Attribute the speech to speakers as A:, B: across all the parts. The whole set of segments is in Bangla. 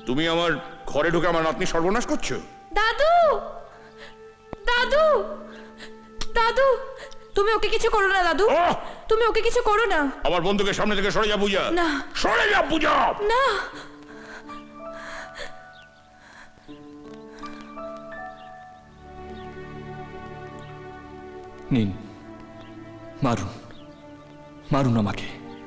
A: তুমি আমার ঘরে ঢুকে আমার নাতনি সর্বনাশ করছো।
B: দাদু, দাদু, দাদু, তুমি ওকে কিছু করো না দাদু। তুমি ওকে কিছু করো না।
A: আমার বন্ধুকে সামনে থেকে সরে যা পূজা।
B: না,
A: সরে যা পূজা।
B: না।
C: নিন, মারুন, মারুন আমাকে।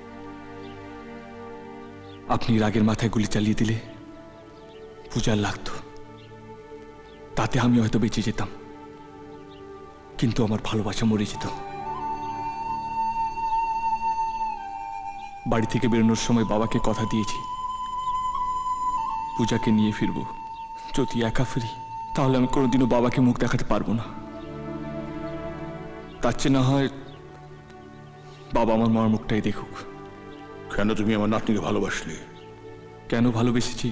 C: আপনি রাগের মাথায় গুলি চালিয়ে দিলে পূজার লাগতো, তাতে আমি হয়তো বেঁচে যেতাম, কিন্তু আমার ভালোবাসা মরে যেত। বাড়ি থেকে বেরোনোর সময় বাবাকে কথা দিয়েছি পূজাকে নিয়ে ফিরবো। যদি একা ফিরি তাহলে আমি কোনোদিনও বাবাকে মুখ দেখাতে পারবো না। তার চেয়ে না হয় বাবা আমার মার মুখটাই দেখুক।
A: কেন তুমি আমার নাতনিকে ভালোবাসলে?
C: কেন ভালোবেসেছি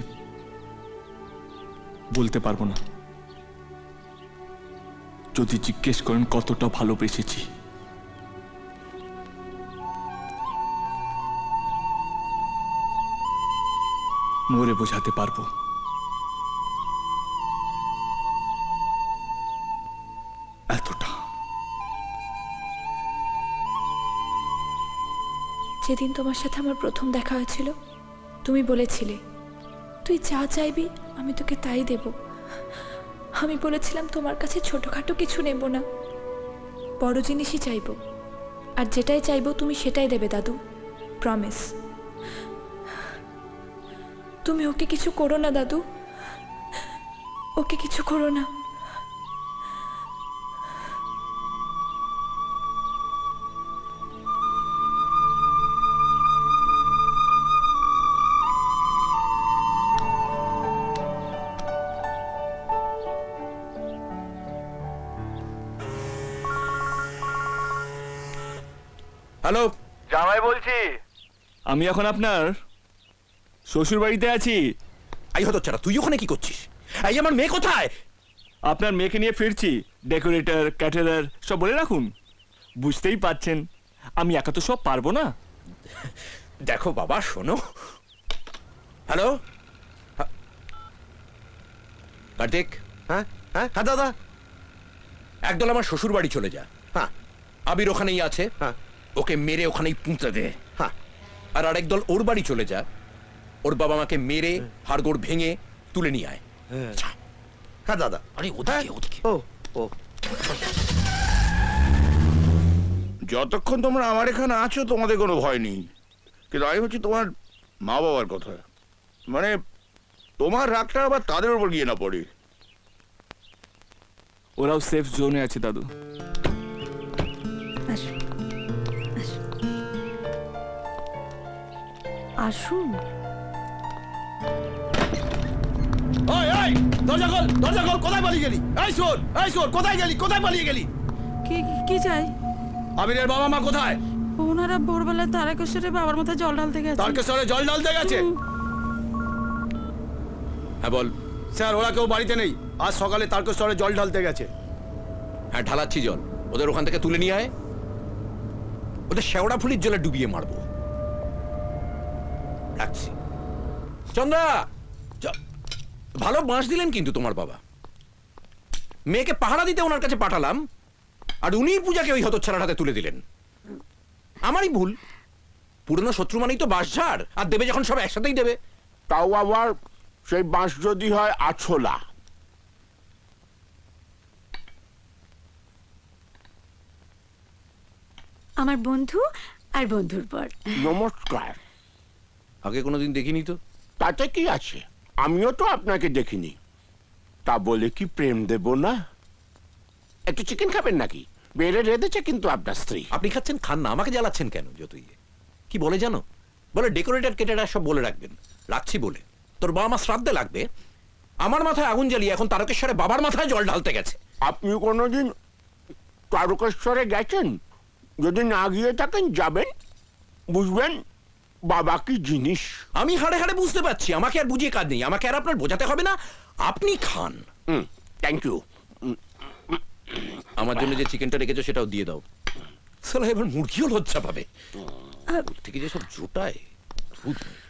C: বলতে পারবো না। যদি জিজ্ঞেস করেন কতটা ভালোবেসেছি, মরে বোঝাতে পারবো। এতটা।
B: যেদিন তোমার সাথে আমার প্রথম দেখা হয়েছিল, তুমি বলেছিলে তুই যা চাইবি আমি তোকে তাই দেব। আমি বলেছিলাম তোমার কাছে ছোটখাটো কিছু নেব না, বড় জিনিসই চাইবো, আর যেটাই চাইবো তুমি সেটাই দেবে দাদু, প্রমিস। তুমি ওকে কিছু করো না দাদু, ওকে কিছু করো না।
A: হ্যালো,
D: জামাই বলছি।
C: আমি এখন আপনার শ্বশুর বাড়িতে আছি।
A: আই হতো চারা, তুই ওখানে কি করছিস? এই আমার মেয়ে কোথায়?
C: আপনার মেয়েকে নিয়ে ফিরছি। ডেকোরেটর, ক্যাটারার সব বলে রাখুন। বুঝতেই পাচ্ছেন আমি একা তো সব পারবো না।
A: দেখো বাবা, শোনো। হ্যালো কার্তিক।
D: হ্যাঁ হ্যাঁ হ্যাঁ দাদা।
A: একদল আমার শ্বশুর বাড়ি চলে যা।
D: হ্যাঁ
A: আবির ওখানেই আছে,
D: হ্যাঁ
A: ওকে মেরে ওখানেই পুঁতে দে।
D: হ্যাঁ
A: আর আরেক দল ওর বাড়ি চলে যা, ওর বাবা মাকে মেরে হাড়গোড় ভেঙে তুলে নিয়ে আয়। যা।
D: হ্যাঁ দাদা।
A: আরে ওদিকে ওদিকে।
D: ও ও
A: যতক্ষণ তোমরা আমার এখানে আছো তোমাদের কোনো ভয় নেই, কিন্তু আমি হচ্ছে তোমার মা বাবার কথা। মানে তোমার রাগটা আবার তাদের উপর গিয়ে না পড়ে।
C: ওরাও সেফ জোনে আছে দাদু।
B: আসুন, আসুন।
D: ওই ওই দরজা খোল, দরজা খোল। কোথায় পালিয়ে গেলি? এই শোন, এই শোন, কোথায় গেলি? কোথায় পালিয়ে গেলি?
E: কি কি চাই?
D: আবিরের বাবা মা কোথায়?
E: ওনারা ভোরবেলায় তারকেশ্বরে বাবার মাথায় জল ঢালতে গেছে।
D: তারকেশ্বরে জল ঢালতে গেছে?
A: হ্যাঁ বল।
D: স্যার, ওরা কেউ বাড়িতে নেই। আজ সকালে তারকেশ্বরে জল ঢালতে গেছে।
A: হ্যাঁ ঢালাচ্ছি জল, ওদের ওখান থেকে তুলে নিয়ে আয়। ওদের শেওড়া ফুলির জলে ডুবিয়ে মারবো। রাখছি। চন্দ্রা, ভালো বাঁশ দিলেন কিন্তু তোমার বাবা। মেয়েকে পাহারা দিতে ওনার কাছে পাঠালাম, আর উনিই পূজাকে ওই হতচ্ছাড়ার হাতে তুলে দিলেন। আমারই ভুল। পুরনো শত্রু মানেই তো বাঁশ ঝাড়, আর দেবে যখন সব একসাথেই দেবে।
F: তাও আবার সেই বাঁশ যদি হয় আছলা।
E: আমার বন্ধু আর বন্ধুর পর।
F: নমস্কার।
A: আগে কোনোদিন দেখিনি তো।
F: তাতে কি আছে, আমিও তো আপনাকে দেখিনি। তা বলে কি প্রেম দেব না? একটু চিকেন খাবেন নাকি? বেড়ে রেঁধেছে কিন্তু আপনার স্ত্রী।
A: আপনি খাচ্ছেন, খান না, আমাকে জ্বালাচ্ছেন কেন? যতই কি বলে জানো, বলে ডেকোরেটর কেটেরা সব বলে রাখবেন। রাখছি বলে তোর বাবা মা শ্রাদ্ধে লাগবে, আমার মাথায় আগুন জ্বালিয়ে এখন তারকেশ্বরে বাবার মাথায় জল ঢালতে গেছে।
F: আপনি কোনোদিন তারকেশ্বরে গেছেন? যদি না গিয়ে থাকেন যাবেন, বুঝবেন বাবা কি জিনিস।
A: আমি হাড়ে হাড়ে বুঝতে পারছি, আমাকে আর বুঝিয়ে কাজ নেই, আমাকে আর আপনার বোঝাতে হবে না। আপনি খান।
F: Thank you.
A: আমার জন্য যে চিকেনটা রেখেছো সেটাও দিয়ে দাও। সালা এবার মুরগিও লজ্জা পাবে। থেকে যে সব জোটায়।